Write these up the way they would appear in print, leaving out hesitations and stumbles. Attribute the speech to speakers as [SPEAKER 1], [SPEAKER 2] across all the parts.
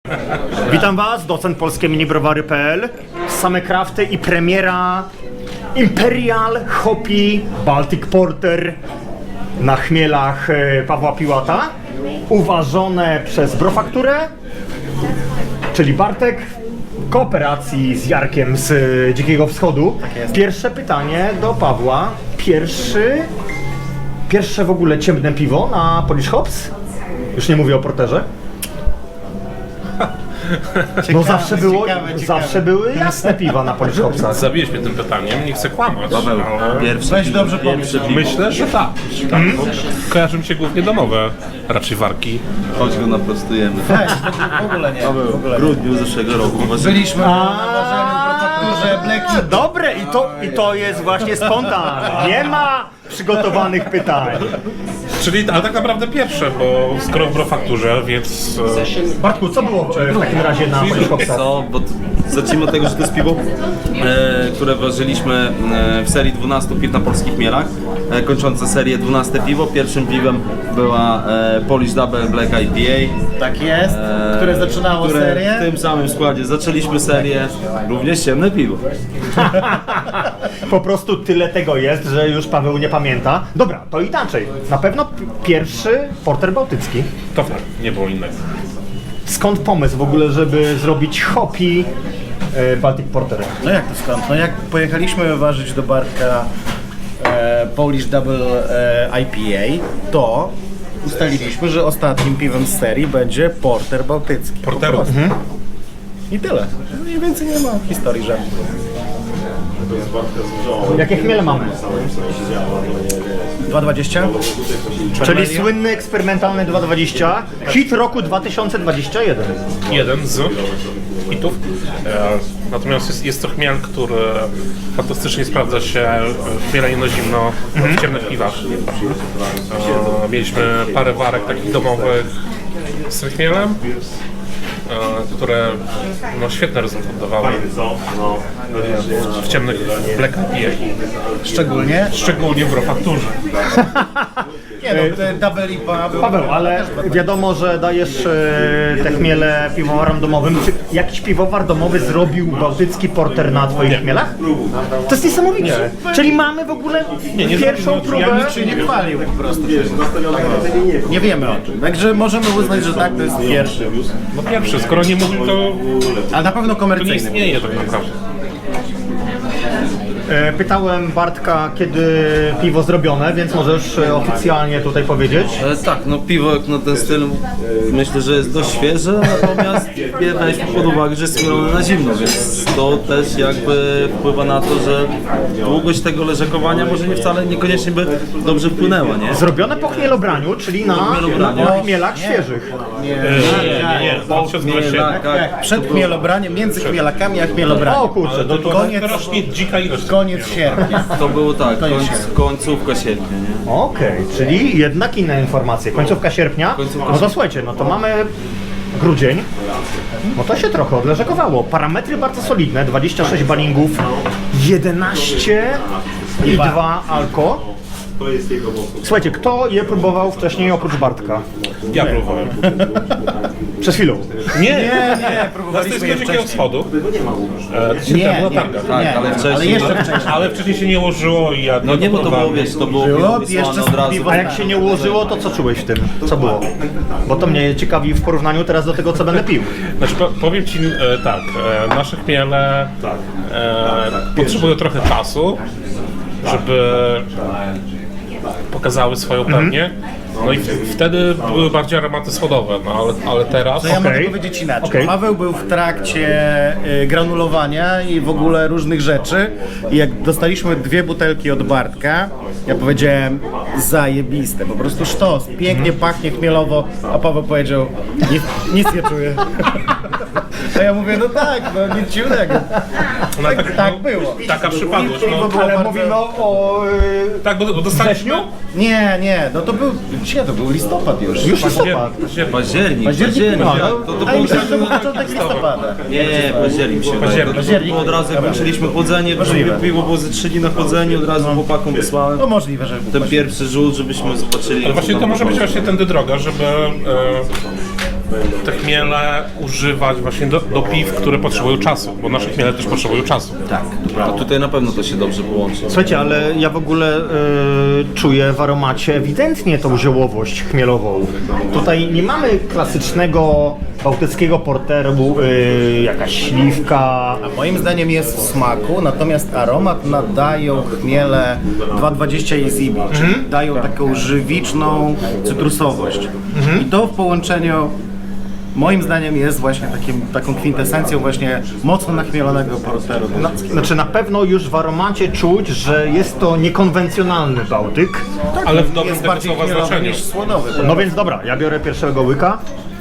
[SPEAKER 1] Witam Was, docent polskie minibrowary.pl. Same krafty i premiera Imperial Hoppy Baltic Porter na chmielach Pawła Piłata. Uważone przez Brofakturę, czyli Bartek, w kooperacji z Jarkiem z Dzikiego Wschodu. Pierwsze pytanie do Pawła. Pierwsze w ogóle ciemne piwo na Polish Hops? Już nie mówię o porterze. No zawsze były jasne piwa na Polish Hopsach.
[SPEAKER 2] Zabiłeś mnie tym pytaniem, nie chcę kłamać.
[SPEAKER 3] Paweł,
[SPEAKER 4] Weź dobrze pomyśl.
[SPEAKER 2] Myślę, że tak. Bo kojarzy mi się głównie domowe, raczej warki.
[SPEAKER 3] chodź go naprostujemy.
[SPEAKER 4] Weź, w ogóle nie.
[SPEAKER 3] Paweł, w grudniu zeszłego roku.
[SPEAKER 4] Byliśmy na ważeniu w prefekturze Bleki.
[SPEAKER 1] Dobre, i to jest właśnie spontan. Nie ma przygotowanych pytań.
[SPEAKER 2] Czyli, ale tak naprawdę pierwsze, bo skoro w Brofakturze, więc...
[SPEAKER 1] Bartku, co było w takim razie na Polish Hopsach?
[SPEAKER 3] Co? Bo zacznijmy od tego, że to jest piwo, które ważyliśmy w serii 12 piw na polskich mielach, kończące serię 12 piwo. Pierwszym piwem była Polish Double Black IPA.
[SPEAKER 4] Tak jest, które zaczynało serię.
[SPEAKER 3] W tym samym składzie zaczęliśmy serię, również ciemne piwo.
[SPEAKER 1] Po prostu tyle tego jest, że już Paweł nie pamięta. Dobra, to inaczej. Na pewno pierwszy porter bałtycki.
[SPEAKER 2] To tak, nie było innego.
[SPEAKER 1] Skąd pomysł w ogóle, żeby zrobić hoppy Baltic Porter?
[SPEAKER 4] No jak to skąd? No jak pojechaliśmy ważyć do Bartka Polish Double IPA, to ustaliliśmy, że ostatnim piwem z serii będzie porter bałtycki.
[SPEAKER 2] Porterów.
[SPEAKER 4] I tyle. Mniej więcej nie ma historii żadnej.
[SPEAKER 1] Jakie chmiele mamy?
[SPEAKER 4] 2,20?
[SPEAKER 1] Czyli słynny eksperymentalny 220, hit roku 2021.
[SPEAKER 2] Jeden z hitów. Natomiast jest to chmiel, który fantastycznie sprawdza się w chmieleniu na zimno w ciemnych piwach. Mieliśmy parę warek takich domowych z tym chmielem, które no, świetny rezultat dawały w ciemnych Black IPA. Szczególnie w Brofakturze.
[SPEAKER 4] Nie no, te Double IPA było...
[SPEAKER 1] Paweł, ale wiadomo, że dajesz te chmiele piwowarom domowym. Czy jakiś piwowar domowy zrobił bałtycki porter na twoich chmielach? To jest niesamowite. Czyli mamy w ogóle pierwszą próbę.
[SPEAKER 4] Nikt się nie chwalił po prostu. Nie wiemy o tym. Także możemy uznać, że tak, to jest pierwszy.
[SPEAKER 2] No pierwszy, skoro nie mówił, to
[SPEAKER 4] A na pewno
[SPEAKER 2] nie
[SPEAKER 4] komercyjny.
[SPEAKER 2] istnieje tak naprawdę.
[SPEAKER 1] Pytałem Bartka, kiedy piwo zrobione, więc możesz oficjalnie tutaj powiedzieć.
[SPEAKER 3] Tak, no piwo jak na ten styl myślę, że jest dość świeże, natomiast weźmy pod uwagę, że jest mielone na zimno, więc to też jakby wpływa na to, że długość tego leżakowania może nie wcale niekoniecznie by dobrze wpłynęła, nie?
[SPEAKER 1] Zrobione po chmielobraniu, czyli na chmielach świeżych.
[SPEAKER 2] Nie, 2021.
[SPEAKER 3] Tak.
[SPEAKER 4] Przed chmielobraniem, między chmielakami a chmielobraniem.
[SPEAKER 1] O kurczę, to
[SPEAKER 4] Koniec,
[SPEAKER 2] Rośnie dzika ilość.
[SPEAKER 4] koniec sierpnia.
[SPEAKER 3] To było tak, końcówka sierpnia, nie?
[SPEAKER 1] Okej, czyli jednak inne informacje. Końcówka sierpnia. No to słuchajcie, no to mamy grudzień. No to się trochę odleżakowało. Parametry bardzo solidne, 26 balingów, 11 i 2 alko. Słuchajcie, kto je próbował wcześniej oprócz Bartka?
[SPEAKER 2] Ja próbowałem.
[SPEAKER 1] Przed chwilą.
[SPEAKER 2] Nie,
[SPEAKER 4] Próbowaliśmy
[SPEAKER 2] z
[SPEAKER 4] je
[SPEAKER 2] Dzikiego
[SPEAKER 4] wcześniej.
[SPEAKER 2] Wschodu.
[SPEAKER 4] Nie,
[SPEAKER 2] była
[SPEAKER 4] nie,
[SPEAKER 2] targa.
[SPEAKER 3] Tak,
[SPEAKER 4] nie,
[SPEAKER 3] ale wcześniej...
[SPEAKER 4] ale jeszcze wcześniej.
[SPEAKER 2] Ale wcześniej się nie ułożyło i ja
[SPEAKER 3] No nie, bo to było, wiesz, to było
[SPEAKER 4] Było,
[SPEAKER 3] wysłane
[SPEAKER 4] jeszcze
[SPEAKER 3] od razu.
[SPEAKER 4] piwo-
[SPEAKER 1] A jak się nie ułożyło, to co czułeś w tym? Co było? Bo to mnie ciekawi w porównaniu teraz do tego, co będę pił.
[SPEAKER 2] Znaczy, powiem Ci tak, nasze chmiele potrzebują trochę czasu, żeby pokazały swoją pełnię. No i wtedy były bardziej aromaty schodowe, no ale teraz...
[SPEAKER 4] To ja mogę
[SPEAKER 1] Okej.
[SPEAKER 4] powiedzieć inaczej.
[SPEAKER 1] Okej.
[SPEAKER 4] Paweł był w trakcie granulowania i w ogóle różnych rzeczy. I jak dostaliśmy 2 butelki od Bartka, ja powiedziałem zajebiste, po prostu sztos, pięknie pachnie chmielowo, a Paweł powiedział nic nie czuję. A ja mówię, no tak, no nic dziwnego.
[SPEAKER 2] No,
[SPEAKER 4] Tak było.
[SPEAKER 2] Taka przypadłość,
[SPEAKER 4] Piwo
[SPEAKER 2] no.
[SPEAKER 4] było
[SPEAKER 1] Ale
[SPEAKER 4] bardzo-
[SPEAKER 1] mówimy o
[SPEAKER 2] Tak, bo dostaliśmy...
[SPEAKER 1] wrześniu?
[SPEAKER 4] Nie, no to był, gdzie to był listopad już.
[SPEAKER 1] Już listopad.
[SPEAKER 3] Październik,
[SPEAKER 4] No,
[SPEAKER 3] to
[SPEAKER 4] a
[SPEAKER 3] było
[SPEAKER 4] myślałem, że był początek listopada.
[SPEAKER 3] Nie, październik się wydaje.
[SPEAKER 2] Październik.
[SPEAKER 3] To od razu jak kończyliśmy chłodzenie,
[SPEAKER 4] Możliwe.
[SPEAKER 3] piwo było ze 3 dni na chłodzeniu, od razu chłopakom wysłałem.
[SPEAKER 4] No możliwe, że był
[SPEAKER 3] Ten pierwszy rzut, żebyśmy zobaczyli.
[SPEAKER 2] Ale właśnie to może być właśnie tędy droga, żeby te chmiele używać właśnie do piw, które potrzebują czasu, bo nasze chmiele też potrzebują czasu.
[SPEAKER 3] Tak. To tutaj na pewno to się dobrze połączy.
[SPEAKER 1] Słuchajcie, ale ja w ogóle czuję w aromacie ewidentnie tą ziołowość chmielową. Tutaj nie mamy klasycznego bałtyckiego porteru, jakaś śliwka.
[SPEAKER 4] A moim zdaniem jest w smaku, natomiast aromat nadają chmiele 220 i Zibi, czyli dają taką żywiczną cytrusowość. I to w połączeniu moim zdaniem jest właśnie taką kwintesencją właśnie mocno nachmielonego porteru.
[SPEAKER 1] Znaczy na pewno już w aromacie czuć, że jest to niekonwencjonalny Bałtyk.
[SPEAKER 2] Ale w dobrym
[SPEAKER 4] jest
[SPEAKER 2] tego
[SPEAKER 4] bardziej
[SPEAKER 2] słowa
[SPEAKER 4] chmielowy
[SPEAKER 2] znaczeniu.
[SPEAKER 4] niż słodowy.
[SPEAKER 1] No więc dobra, ja biorę pierwszego łyka.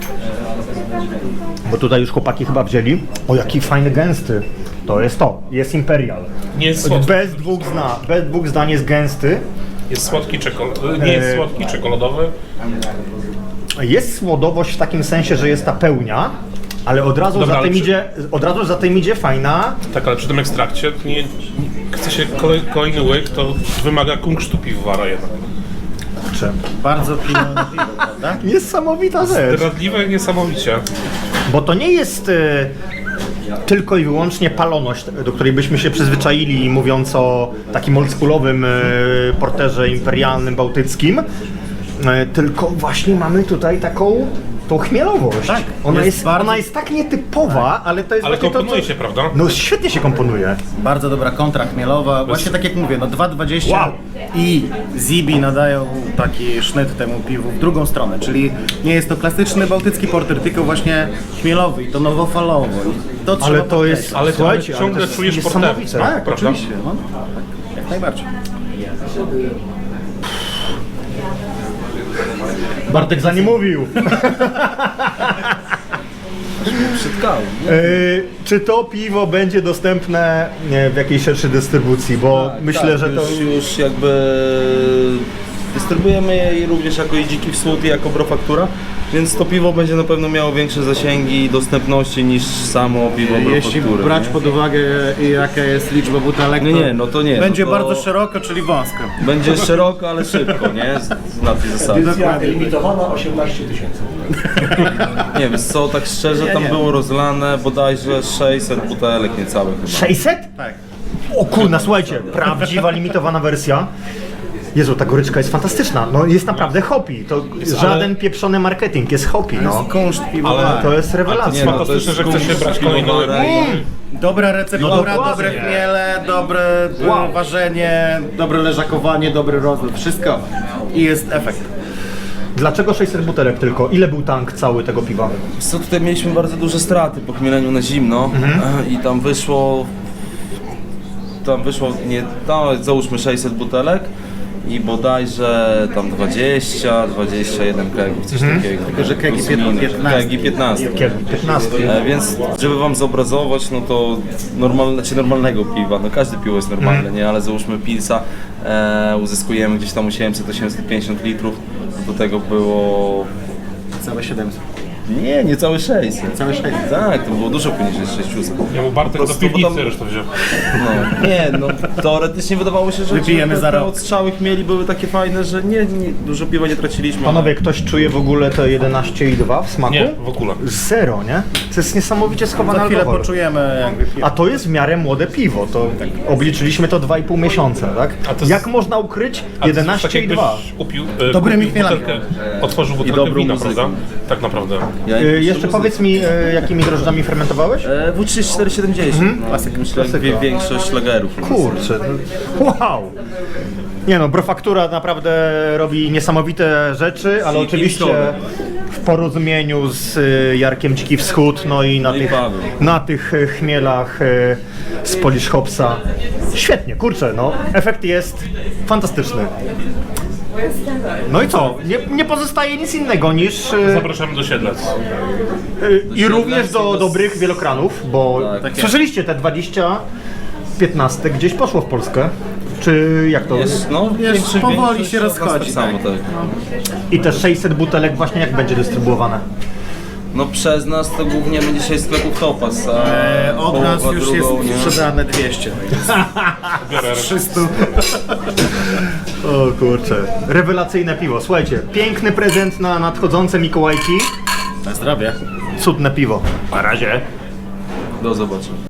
[SPEAKER 1] Bo tutaj już chłopaki chyba wzięli. O, jaki fajny, gęsty. To jest to. Jest Imperial.
[SPEAKER 2] Nie jest słodki.
[SPEAKER 1] Bez dwóch zdań jest gęsty.
[SPEAKER 2] Jest słodki nie jest słodki, czekoladowy.
[SPEAKER 1] Jest słodowość w takim sensie, że jest ta pełnia, ale od razu,
[SPEAKER 2] Dobra,
[SPEAKER 1] za, tym
[SPEAKER 2] ale
[SPEAKER 1] za tym idzie fajna.
[SPEAKER 2] Tak, ale przy tym ekstrakcie nie chce się kolejny łyk, to wymaga kunsztu piwowara jednak.
[SPEAKER 4] Bardzo pilne piwo, prawda?
[SPEAKER 1] Niesamowita rzecz.
[SPEAKER 2] Zdradliwe niesamowicie.
[SPEAKER 1] Bo to nie jest tylko i wyłącznie paloność, do której byśmy się przyzwyczaili, mówiąc o takim oldschoolowym porterze imperialnym bałtyckim, tylko właśnie mamy tutaj taką tą chmielowość.
[SPEAKER 4] Tak,
[SPEAKER 1] Ona
[SPEAKER 4] jest
[SPEAKER 1] jest,
[SPEAKER 4] bardzo-
[SPEAKER 1] ona jest tak nietypowa, ale to jest
[SPEAKER 2] Ale
[SPEAKER 1] właśnie
[SPEAKER 2] komponuje
[SPEAKER 1] to,
[SPEAKER 2] się, prawda?
[SPEAKER 1] No świetnie się komponuje.
[SPEAKER 4] Bardzo dobra kontra chmielowa. Właśnie tak jak mówię, no 2,20
[SPEAKER 1] Wow.
[SPEAKER 4] i Zibi nadają taki sznyt temu piwu w drugą stronę, czyli nie jest to klasyczny bałtycki porter, tylko właśnie chmielowy i to nowofalowo. I to
[SPEAKER 1] Ale
[SPEAKER 4] trzeba
[SPEAKER 1] to jest,
[SPEAKER 2] Ale
[SPEAKER 1] słuchajcie, ale
[SPEAKER 2] ciągle
[SPEAKER 1] to jest
[SPEAKER 2] czujesz
[SPEAKER 1] niesamowite.
[SPEAKER 2] porter.
[SPEAKER 4] Tak,
[SPEAKER 2] prawda?
[SPEAKER 4] oczywiście. No, tak, jak najbardziej.
[SPEAKER 1] Bartek za nie mówił.
[SPEAKER 3] Przytkałem.
[SPEAKER 1] Czy to piwo będzie dostępne w jakiejś szerszej dystrybucji? Bo myślę, że to...
[SPEAKER 3] już jakby dystrybuujemy je również jako i Dziki Wschód i jako Brofaktura, więc to piwo będzie na pewno miało większe zasięgi i dostępności niż samo piwo
[SPEAKER 4] Jeśli
[SPEAKER 3] Brofaktury.
[SPEAKER 4] brać
[SPEAKER 3] nie?
[SPEAKER 4] pod uwagę jaka jest liczba butelek,
[SPEAKER 3] Nie, no to nie,
[SPEAKER 4] będzie
[SPEAKER 3] no to-
[SPEAKER 4] bardzo szeroko, czyli wąsko.
[SPEAKER 3] Będzie szeroko, ale szybko, nie? Na tej zasadzie.
[SPEAKER 5] Limitowana 18 tysięcy.
[SPEAKER 3] Nie wiem, co, tak szczerze, tam było rozlane bodajże 600 butelek niecałych chyba.
[SPEAKER 1] 600?
[SPEAKER 4] Tak.
[SPEAKER 1] O kurna, słuchajcie, prawdziwa limitowana wersja. Jezu, ta goryczka jest fantastyczna. No jest naprawdę hopi. To żaden pieprzony marketing, jest hopi, no.
[SPEAKER 4] Kunszt piwowary.
[SPEAKER 2] Ale
[SPEAKER 1] To jest rewelacja.
[SPEAKER 2] jest fantastyczne, że chce się brać kolejny łyk.
[SPEAKER 4] Dobra receptura,
[SPEAKER 1] No dokładnie.
[SPEAKER 4] dobre chmiele, dobre ważenie, dobre leżakowanie, dobry rozlot, wszystko. I jest efekt.
[SPEAKER 1] Dlaczego 600 butelek tylko? Ile był tank cały tego piwa?
[SPEAKER 3] Co, tutaj mieliśmy bardzo duże straty po chmieleniu na zimno i tam wyszło, nie, no, załóżmy 600 butelek i bodajże tam 21 kegów, coś takiego.
[SPEAKER 4] Tylko, że kegi
[SPEAKER 3] Plus minus.
[SPEAKER 4] 15.
[SPEAKER 3] Kegi 15.
[SPEAKER 1] 15.
[SPEAKER 3] Więc żeby wam zobrazować, no to normalnego piwa, no każde piwo jest normalne, nie, ale załóżmy pilsa, uzyskujemy gdzieś tam 800-850 litrów, do tego było...
[SPEAKER 4] Całe 700.
[SPEAKER 3] Nie, niecałe 600.
[SPEAKER 4] Całe 600.
[SPEAKER 3] Tak, to było dużo poniżej 600.
[SPEAKER 2] Ja mu Bartek
[SPEAKER 3] Po
[SPEAKER 2] do
[SPEAKER 3] prostu,
[SPEAKER 2] piwnicy
[SPEAKER 3] bo tam-
[SPEAKER 2] zresztą wziął.
[SPEAKER 3] No, nie, no teoretycznie wydawało się, że
[SPEAKER 4] Wypijemy za
[SPEAKER 3] te
[SPEAKER 4] rok.
[SPEAKER 3] odstrzały chmieli były takie fajne, że nie, dużo piwa nie traciliśmy.
[SPEAKER 1] Panowie, ktoś czuje w ogóle te 11,2 w smaku?
[SPEAKER 2] Nie, w ogóle.
[SPEAKER 1] Zero, nie? To jest niesamowicie schowany
[SPEAKER 4] Za chwilę
[SPEAKER 1] alkohol.
[SPEAKER 4] poczujemy jakby piwo.
[SPEAKER 1] A to jest w miarę młode piwo, to obliczyliśmy to 2,5 miesiąca, tak?
[SPEAKER 2] A to jest-
[SPEAKER 1] Jak można ukryć
[SPEAKER 2] A to jest tak
[SPEAKER 1] 11,2?
[SPEAKER 2] jakbyś upił,
[SPEAKER 4] Dobrymi
[SPEAKER 2] kupił
[SPEAKER 4] chmielami.
[SPEAKER 2] butelkę, otworzył butelkę
[SPEAKER 3] dobrą
[SPEAKER 2] wina,
[SPEAKER 3] muzyką.
[SPEAKER 2] prawda? Tak naprawdę.
[SPEAKER 1] Jeszcze powiedz mi, jakimi drożdżami fermentowałeś?
[SPEAKER 3] W3470,
[SPEAKER 4] Klasyk.
[SPEAKER 3] myślę, jak większość szlagerów.
[SPEAKER 1] Kurczę, wow! Nie no, Brofaktura naprawdę robi niesamowite rzeczy, ale
[SPEAKER 3] I
[SPEAKER 1] oczywiście
[SPEAKER 3] Kingscowe.
[SPEAKER 1] w porozumieniu z Jarkiem Dziki Wschód, no i
[SPEAKER 3] No i Paweł.
[SPEAKER 1] na tych chmielach z Polish Hopsa. Świetnie, kurczę, no, efekt jest fantastyczny. No i co? Nie pozostaje nic innego niż
[SPEAKER 2] Zapraszamy do Siedlec.
[SPEAKER 1] i również do dobrych wielokranów, bo
[SPEAKER 3] Tak.
[SPEAKER 1] słyszeliście te 20-15 gdzieś poszło w Polskę. Czy jak to?
[SPEAKER 3] Jest, no,
[SPEAKER 4] powoli
[SPEAKER 3] większość
[SPEAKER 4] się
[SPEAKER 3] od nas
[SPEAKER 4] rozchodzi,
[SPEAKER 3] Tak samo, tak.
[SPEAKER 1] I te 600 butelek właśnie jak będzie dystrybuowane?
[SPEAKER 3] No przez nas to głównie będzie dzisiaj sklepów Topas, a
[SPEAKER 4] Od nas
[SPEAKER 3] połowa
[SPEAKER 4] już
[SPEAKER 3] drugą,
[SPEAKER 4] jest
[SPEAKER 3] nie?
[SPEAKER 4] sprzedane 200.
[SPEAKER 2] Biorę
[SPEAKER 4] 300.
[SPEAKER 1] O kurczę, rewelacyjne piwo. Słuchajcie, piękny prezent na nadchodzące Mikołajki.
[SPEAKER 4] Na zdrowie.
[SPEAKER 1] Cudne piwo. Na razie.
[SPEAKER 3] Do zobaczenia.